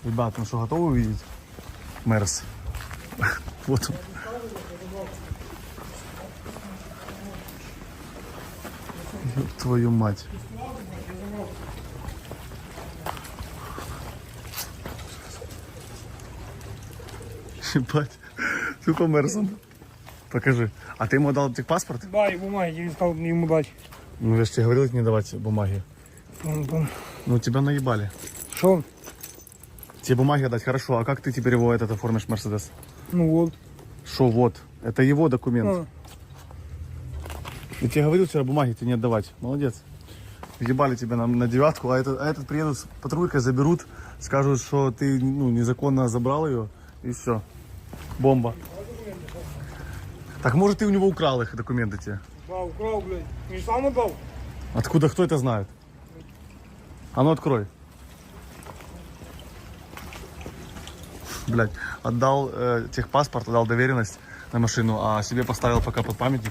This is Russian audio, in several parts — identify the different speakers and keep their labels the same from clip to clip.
Speaker 1: Ребята, ну что, готовы увидеть Мерс? Вот он. Ёб твою мать. Ебать. Тупо Мерсом. Покажи. А ты ему дал техпаспорт?
Speaker 2: Да, и бумаги, я не стал ему дать.
Speaker 1: Ну я же тебе говорил не давать бумаги. Ну тебя наебали.
Speaker 2: Что?
Speaker 1: Тебе бумаги отдать, хорошо. А как ты теперь его этот оформишь, Мерседес?
Speaker 2: Ну вот.
Speaker 1: Шо вот? Это его документ. Я тебе говорил вчера бумаги тебе не отдавать. Молодец. Въебали тебя на девятку, а этот приедут с патрулькой, заберут, скажут, что ты незаконно забрал ее, и все. Бомба. Так может ты у него украл их документы те?
Speaker 2: Да, украл, блядь. Не сам отдал?
Speaker 1: Откуда, кто это знает? А ну открой. Блядь, отдал техпаспорт, отдал доверенность на машину, а себе поставил пока под памятник.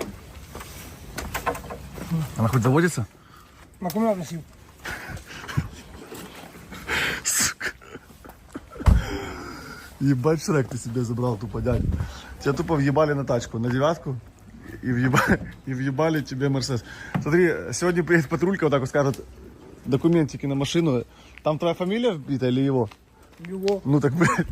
Speaker 1: Она хоть заводится?
Speaker 2: На аккумулятор носил.
Speaker 1: Сука. Ебать, Шрек, ты себе забрал, тупо дядь. Тебя тупо въебали на тачку, на девятку. И въебали тебе Мерседес. Смотри, сегодня приедет патрулька, вот так вот скажет, документики на машину. Там твоя фамилия вбита или его?
Speaker 2: Его.
Speaker 1: Ну так, блядь.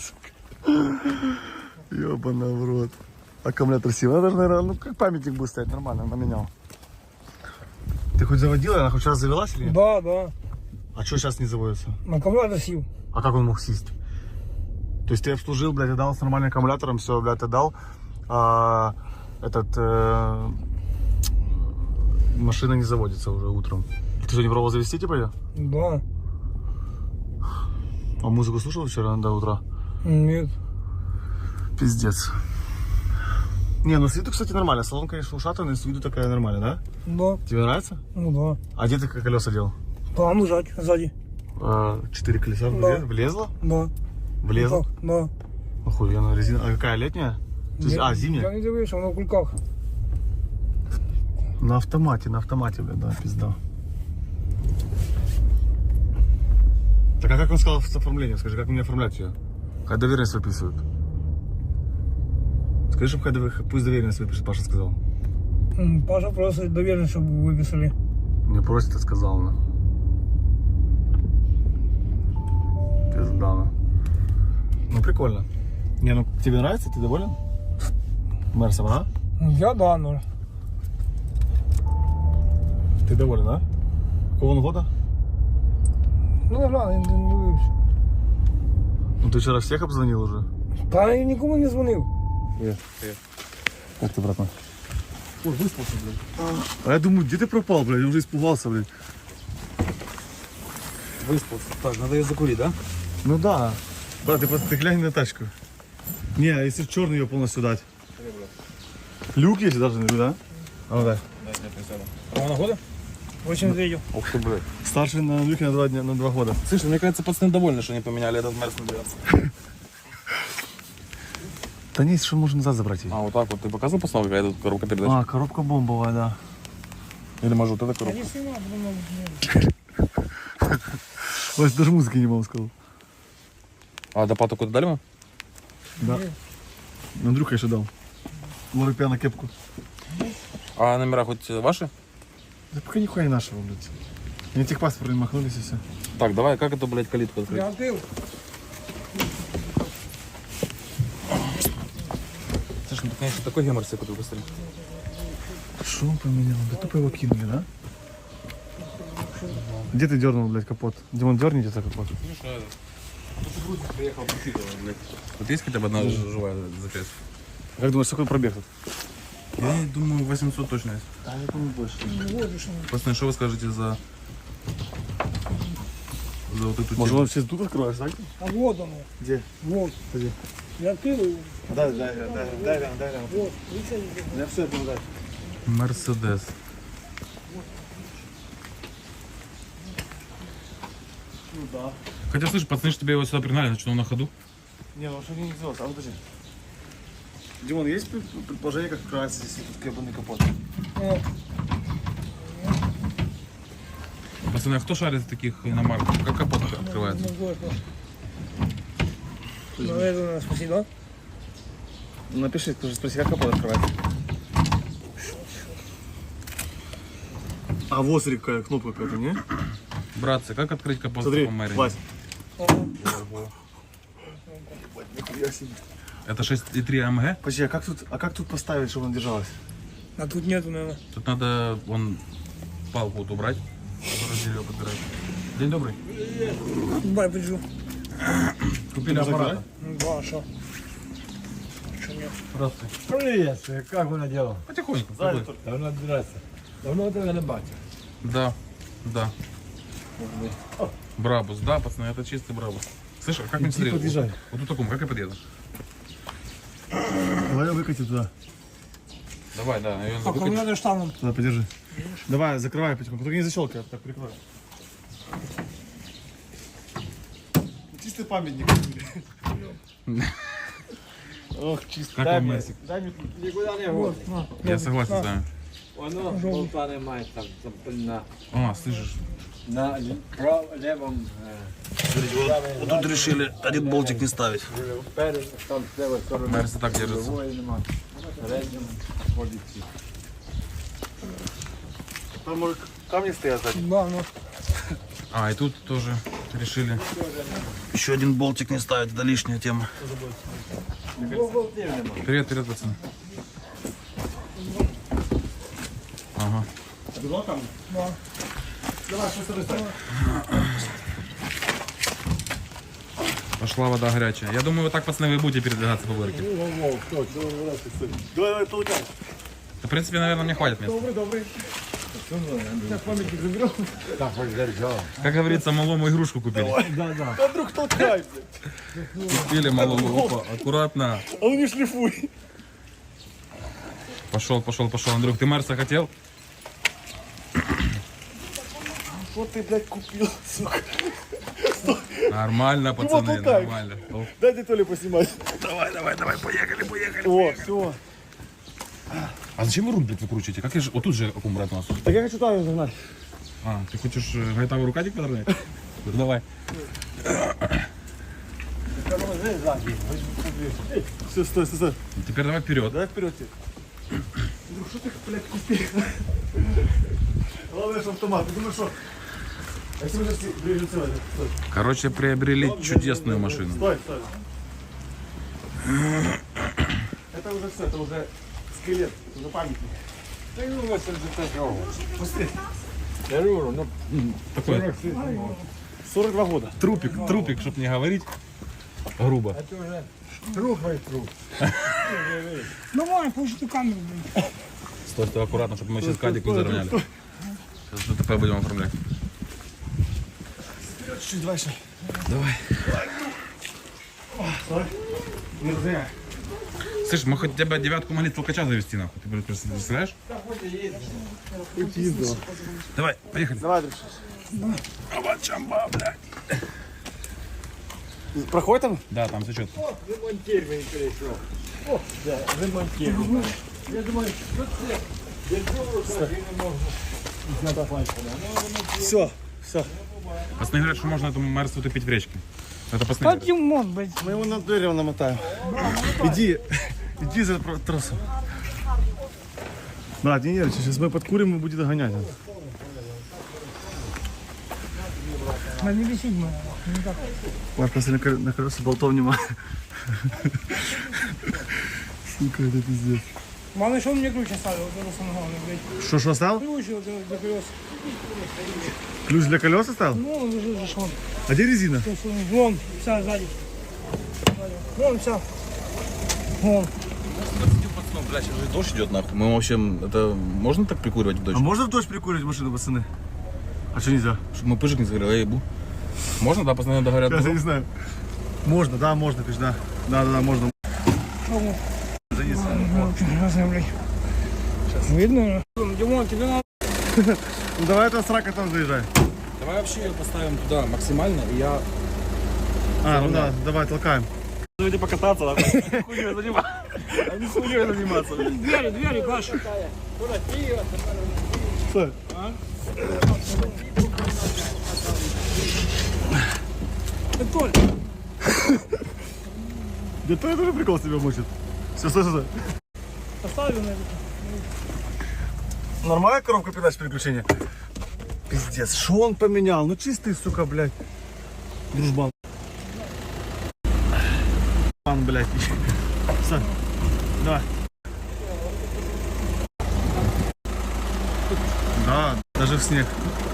Speaker 1: Ёбана в рот. Аккумулятор сил. Она даже, наверное, ну как памятник будет стоять, нормально, она менял. Ты хоть заводила, она хоть раз завелась или нет?
Speaker 2: Да, да.
Speaker 1: А что сейчас не заводится?
Speaker 2: На аккумулятор сил.
Speaker 1: А как он мог сесть? То есть ты обслужил, блядь, отдал с нормальным аккумулятором, все, блядь, отдал. Машина не заводится уже утром. Ты что, не пробовал завести, типа, ее?
Speaker 2: Да.
Speaker 1: А музыку слушал вчера до утра?
Speaker 2: Нет.
Speaker 1: Пиздец. Не, ну с виду, кстати, нормально. Салон, конечно, ушатанный, с виду такая нормальная, да?
Speaker 2: Да.
Speaker 1: Тебе нравится?
Speaker 2: Ну да.
Speaker 1: А где ты колеса делал?
Speaker 2: Там лежать сзади.
Speaker 1: 4 колеса
Speaker 2: Да.
Speaker 1: влезло?
Speaker 2: Да.
Speaker 1: Влезло?
Speaker 2: Да.
Speaker 1: Охуенно, резина. А какая, летняя? Зимняя?
Speaker 2: Я не дивився, воно в кульках.
Speaker 1: На автомате, блядь, да, пизда. Так а как он сказал с оформлением? Скажи, как мне оформлять ее? Хай доверенность выписывают. Скажи, пусть доверенность выпишет, Паша сказал.
Speaker 2: Паша просто доверенность, чтобы выписали.
Speaker 1: Мне просит, я сказал, на. Пизда, на. Ну прикольно. Не, ну тебе нравится? Ты доволен? Мерсом, а?
Speaker 2: Я да, но.
Speaker 1: Ты доволен, а? Какого он года?
Speaker 2: Ну да, ладно, не дивився.
Speaker 1: Ну ты вчера всех обзвонил уже?
Speaker 2: Та я нікому не дзвонив.
Speaker 1: Привет. Привет. Как ты, братан? Ой, выспался, блядь. А я думаю, где ты пропал, блядь? Я уже испугался, блядь.
Speaker 3: Выспался. Так, надо ее закурить, да?
Speaker 1: Ну да. Брат, ты глянь на тачку. Не, а если черный ее полностью дать? Люк есть даже, да? А ну дай.
Speaker 3: Какого она года?
Speaker 2: 83.
Speaker 3: Ух ты, блядь.
Speaker 1: Старший на люке на 2 дня, на 2 года.
Speaker 3: Слышь, мне кажется, пацаны довольны, что они поменяли этот Мерс на дверцу.
Speaker 1: Да не, что можно назад забрать ее.
Speaker 3: А, вот так вот. Ты показывал постановку, какая тут коробка передач?
Speaker 1: А, коробка бомбовая, да.
Speaker 3: Или может вот эта
Speaker 2: Я
Speaker 3: коробка?
Speaker 2: не снимав, думав, ні.
Speaker 1: Вась, даже музыки не могу сказал.
Speaker 3: А допад куда дали мы?
Speaker 1: Да. Андрюха еще дал. Лорипя на кепку.
Speaker 3: А номера хоть ваши?
Speaker 1: Да пока нихуя не нашего, блядь. Мне техпаспорт не махнулись и все.
Speaker 3: Так, давай, как эту, блядь, калитку открыть?
Speaker 2: Я відкрив.
Speaker 3: Слушай, ну ты, конечно, такой гемор себе купил быстрее.
Speaker 1: Что он поменял? Да тупо его кинули, да? Где ты дернул, блядь, капот? Димон, дерните это капот.
Speaker 3: Приехал блядь. Вот есть хотя бы одна живая запись?
Speaker 1: Как думаешь, сколько пробег тут?
Speaker 3: Я думаю, 800 точно есть.
Speaker 1: А я думаю, больше.
Speaker 3: Пацаны, что вы скажете за вот эту
Speaker 1: Может,
Speaker 3: тему?
Speaker 1: он все тут откроешь, так?
Speaker 2: А вот воно.
Speaker 1: Где?
Speaker 2: Вот.
Speaker 1: Где?
Speaker 2: Я відкрив.
Speaker 1: Дай рядом.
Speaker 2: Вот. Видите?
Speaker 1: Я все это дай.
Speaker 3: Мерседес.
Speaker 1: Ну да.
Speaker 3: Хотя, слышь, пацаны, что тебе его сюда пригнали, значит, он на ходу.
Speaker 1: Не, ну что не сделать? А ну подожди. Димон, есть предположение, как открывается здесь этот кабельный капот?
Speaker 2: О,
Speaker 3: Пацаны, а кто шарит в таких иномарках? Как капот открывается?
Speaker 2: ну, вот. Ну, это надо спросить, да?
Speaker 1: Напиши, тоже спроси, как капот открывается. А вот смотри, какая кнопка какая-то, не?
Speaker 3: Братцы, как открыть капот
Speaker 1: Смотри,
Speaker 3: по Мэрине?
Speaker 1: Вась.
Speaker 3: Это 6,3 АМГ?
Speaker 1: Подожди, а как тут поставить, чтобы она держалась?
Speaker 2: А тут нету, наверное.
Speaker 3: Тут надо вон палку вот убрать, которая дерево подбирает. День добрый.
Speaker 2: Бай, приджу.
Speaker 3: Купили аппарат.
Speaker 2: Ну, да, что? Что нет?
Speaker 3: Здравствуйте.
Speaker 4: Привет, как вона дела?
Speaker 3: Потихоньку.
Speaker 1: Сзади
Speaker 3: какой?
Speaker 1: только.
Speaker 4: Давно здрасте. Давно тебе не бачив.
Speaker 3: Да, да. Брабус, да, пацаны, это чистый брабус. Слышь, а как мне смотреть?
Speaker 1: подъезжай.
Speaker 3: Вот тут таком, как я подъеду?
Speaker 1: Давай выкати туда.
Speaker 3: Давай, да, наверное,
Speaker 2: Так, а мне надо штаммом.
Speaker 1: Туда, подержи. Давай, закрывай потихоньку. Только не защелкай, так прикрой. Чистый памятник. Ох, чистый.
Speaker 3: Как вам Мерсик?
Speaker 1: Дай мне
Speaker 4: Нікуди не год.
Speaker 2: На.
Speaker 3: Я согласен с вами.
Speaker 4: Воно болта немає там на,
Speaker 3: О, слышишь?
Speaker 4: на левому
Speaker 1: Вот тут решили один болтик не ставить.
Speaker 4: вперед, там з левої сторони.
Speaker 3: Мерси так держится.
Speaker 4: Другої нема. Передньому ходить.
Speaker 1: Там может камни стоят сзади.
Speaker 2: Да, ну.
Speaker 3: А, и тут тоже решили.
Speaker 1: Еще один болтик не ставить, это лишняя тема.
Speaker 3: Привет, привет, пацаны. Ага.
Speaker 1: Два камня?
Speaker 2: Да.
Speaker 1: Давай, что с тобой
Speaker 3: Пошла вода горячая. Я думаю, вот так, пацаны, вы будете передвигаться по вырке.
Speaker 1: Давай, толкай.
Speaker 3: Да, в принципе, наверное, мне хватит места.
Speaker 1: Добрый. Сейчас памятник заберем.
Speaker 4: Так, ось держав.
Speaker 3: Как говорится, малому игрушку купили.
Speaker 1: А вдруг толкай, блядь.
Speaker 3: Купили малому. Опа, аккуратно.
Speaker 1: А ну не шлифуй.
Speaker 3: Пошел, пошел, пошел. Андрюх, ты Мерса хотел?
Speaker 1: Вот ты, блядь, купил, сука.
Speaker 3: Нормально, пацаны,
Speaker 1: толкай.
Speaker 3: нормально. О,
Speaker 1: Дайте Толе поснимать.
Speaker 3: Давай, давай, давай, поехали, поехали.
Speaker 1: О, все.
Speaker 3: А зачем вы руль, блядь, выкручиваете? Как я же... Вот тут же аккумулятор у нас.
Speaker 1: Так я хочу там загнать.
Speaker 3: А, ты хочешь гайтавый рукавик подровнять? Ну, давай.
Speaker 1: Все, стой, стой, стой.
Speaker 3: Теперь давай вперед.
Speaker 1: Давай вперед. Друг, что ты, блядь, купил? Главное, что автомат. Ты думаешь, что... А если мы сейчас ближе целый? Стой.
Speaker 3: Короче, приобрели чудесную машину.
Speaker 1: Стой, стой. Это уже все, это уже скелет, это уже памятник.
Speaker 4: Та й 82-го.
Speaker 1: Быстрее.
Speaker 4: Я говорю, ну,
Speaker 3: Такой
Speaker 1: 42 года.
Speaker 3: трупик, трупик, чтоб не говорить грубо.
Speaker 4: це вже трухай труп.
Speaker 2: Давай, пусть эту камеру, блин.
Speaker 3: Стой, стой, аккуратно, чтобы мы сейчас кадик не заровняли. Сейчас ДТП будем оформлять.
Speaker 1: Чуть-чуть дальше.
Speaker 3: Давай.
Speaker 1: Стой. Не разгоняй.
Speaker 3: Слышь, мы хоть тебя девятку могли толкача завести, нахуй. Ты представляешь?
Speaker 1: Ездила.
Speaker 3: Давай, поехали.
Speaker 1: Давай, друг.
Speaker 3: Авачамба, блядь.
Speaker 1: Проходит там?
Speaker 3: Да, там все четко.
Speaker 4: Ремонтір він перейшов. О, да, ремонтір. Я думаю, що це? Я думаю, що він не можу.
Speaker 1: Все, все.
Speaker 3: Пацаны говорят, что можно этому Мерсу утопить в речке. Это пацаны
Speaker 2: Да
Speaker 3: говорят.
Speaker 2: Димон, блядь.
Speaker 1: Мы его на дерево намотаем. Иди за тросом. Брат, не нервничай, сейчас мы подкурим и будет догонять.
Speaker 2: Да не висит, мы. Не так.
Speaker 1: Марк, посмотри, на колеса болтов нема. Сука, это пиздец.
Speaker 2: Главное, что он мне ключ оставил, вот это самое главное, блядь.
Speaker 1: Что оставил?
Speaker 2: Ключ вот для колес.
Speaker 1: Ключ для колес оставил?
Speaker 2: Ну, он лежит же, что.
Speaker 1: А где резина?
Speaker 2: Вон, вся сзади. Вон, вся. Вон.
Speaker 3: Блядь, сейчас же дождь идет, нахуй. Мы вообще, это можно так прикуривать в дождь?
Speaker 1: А можно в дождь прикурить машину, пацаны? А что нельзя?
Speaker 3: Чтобы мы пыжик не сгорел, я ебу. Можно, да, пацаны договорят?
Speaker 1: Я не знаю. Можно, да, можно, пиш, да. Да, можно.
Speaker 2: Ну,
Speaker 1: Занес.
Speaker 2: очень разное, блядь. Видно? Димон, тебе надо.
Speaker 1: Ну давай это срака там заезжай.
Speaker 3: Давай вообще ее поставим туда максимально, и я...
Speaker 1: А, ну да, давай, толкаем.
Speaker 3: Давайте покататься, нахуй. Хуйней заниматься. А не хуйней заниматься, блядь.
Speaker 2: Двери, Паша.
Speaker 1: Стой.
Speaker 2: Толь.
Speaker 1: Да то тоже прикол себя мучит. Все, стой.
Speaker 2: Поставлю на это.
Speaker 1: Нормальная коробка передач переключения? Пиздец, что он поменял? Ну чистый, сука, блядь. Дружбан. Пан, блядь. Все, давай. Да, даже в снег.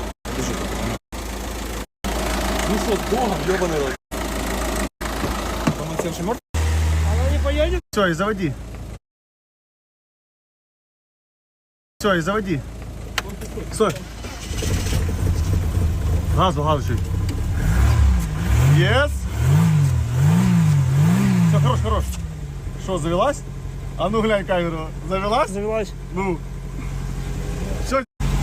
Speaker 3: Ну что, с Богом, ёбаный рот. Там он севший мертв?
Speaker 2: Она не поедет?
Speaker 1: Все, и заводи. Все, и заводи. Стой. Газу чуть. Yes. Все, хорош. Что, завелась? А ну глянь камеру. Завелась?
Speaker 2: Завелась.
Speaker 1: Ну. Все.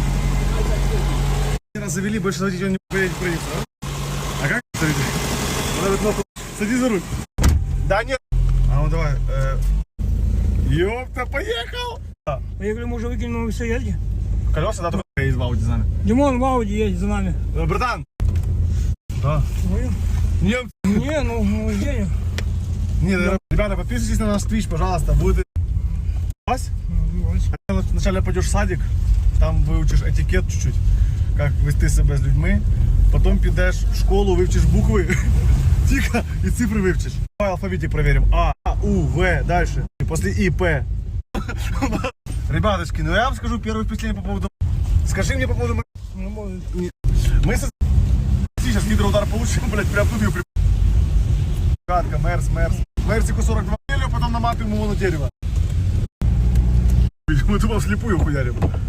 Speaker 1: Раз завели, больше заводить он не поедет проехать, да? А как заведи? Надо кнопку. Садись за руль. Да нет. А ну давай. Ёпта, поехал.
Speaker 2: Поехали, мы уже выкинем все едки.
Speaker 1: Колеса, да, только есть в Ауди за нами.
Speaker 2: Димон в Ауди едет за нами.
Speaker 1: Братан. Да.
Speaker 2: Ну,
Speaker 1: Нет.
Speaker 2: не, ну едем.
Speaker 1: Не, ребята, подписывайтесь на наш Twitch, пожалуйста. Будет Вась. Вначале пойдешь в садик, там выучишь этикет чуть-чуть, как вести себя с людьми. Потом підеш в школу, вивчиш буквы. Тихо, и цифры вивчиш. Давай алфавитик проверим. А, У, В, дальше. И после И, П. Ребяточки, ну я вам скажу первое впечатление по поводу... Скажи мне по поводу...
Speaker 2: Ну, может.
Speaker 1: Мы сейчас гидроудар получим, блядь, прям тут ее Гадка, Мерс. Мерсику 42 потом наматываем его на дерево. Мы тупо вслепую хуярим.